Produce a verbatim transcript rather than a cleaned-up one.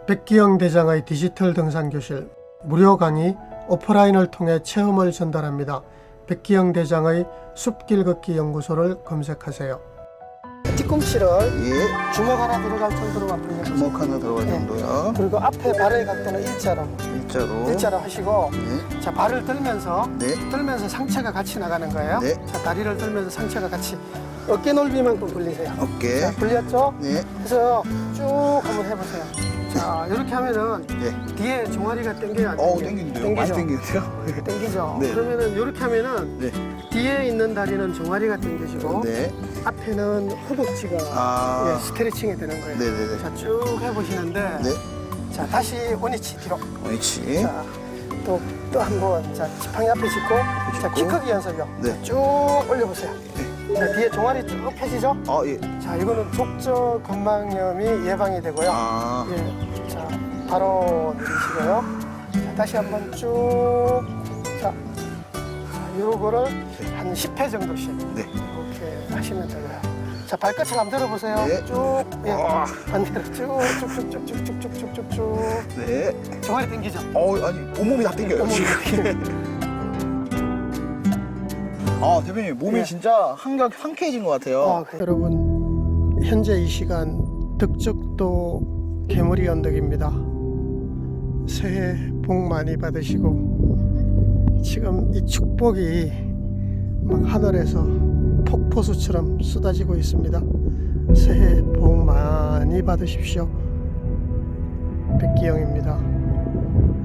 백기영 대장의 디지털 등산교실 무료 강의 오프라인을 통해 체험을 전달합니다. 백기영 대장의 숲길 걷기 연구소를 검색하세요. 뒤꿈치를 예. 주먹 하나 들어갈 정도로 앞으로 주먹 하나 들어갈 네. 정도요. 그리고 앞에 발을 갈 때는 일자로 일자로. 일자로 하시고 네. 자 발을 들면서 네. 들면서 상체가 같이 나가는 거예요. 네. 자 다리를 들면서 상체가 같이 어깨 넓이만큼 벌리세요. 어깨. 자, 벌렸죠? 네. 그래서 쭉 한번 해보세요. 자 이렇게 하면은 네. 뒤에 종아리가 당겨요. 안 어우, 당겨요? 땡기는데요? 많이 당기죠? 땡기는데요? 당기죠? 네. 그러면은 이렇게 하면은 네. 뒤에 있는 다리는 종아리가 당겨지고 네. 앞에는 허벅지가 아. 예, 스트레칭이 되는 거예요. 네네네. 자 쭉 해보시는데 네. 자 다시 원위치 뒤로. 옳지. 자, 또, 또 한 번. 자, 지팡이 앞에 짚고. 자, 키 짚고. 크기 연습이요. 네. 쭉 올려보세요. 자, 뒤에 종아리 쭉 펴지죠? 아, 예. 자, 이거는 족저 건망염이 예방이 되고요. 아. 예. 자, 바로 내리시고요. 자, 다시 한 번 쭉. 자, 요거를 한 십 회 정도씩. 네. 이렇게 하시면 되고요. 자, 발끝을 한번 들어보세요. 네. 쭉. 예. 아. 반대로 쭉, 쭉, 쭉, 쭉, 쭉, 쭉, 쭉, 쭉, 쭉. 네. 종아리 당기죠? 어, 아니, 온몸이 다 땡겨요, 온몸이. 지금. 아, 대표님, 몸이 네. 진짜 한결 상쾌해진 것 같아요. 어, 그래. 여러분 현재 이 시간 덕적도 개머리 언덕입니다. 새해 복 많이 받으시고 지금 이 축복이 막 하늘에서 폭포수처럼 쏟아지고 있습니다. 새해 복 많이 받으십시오. 백기영입니다.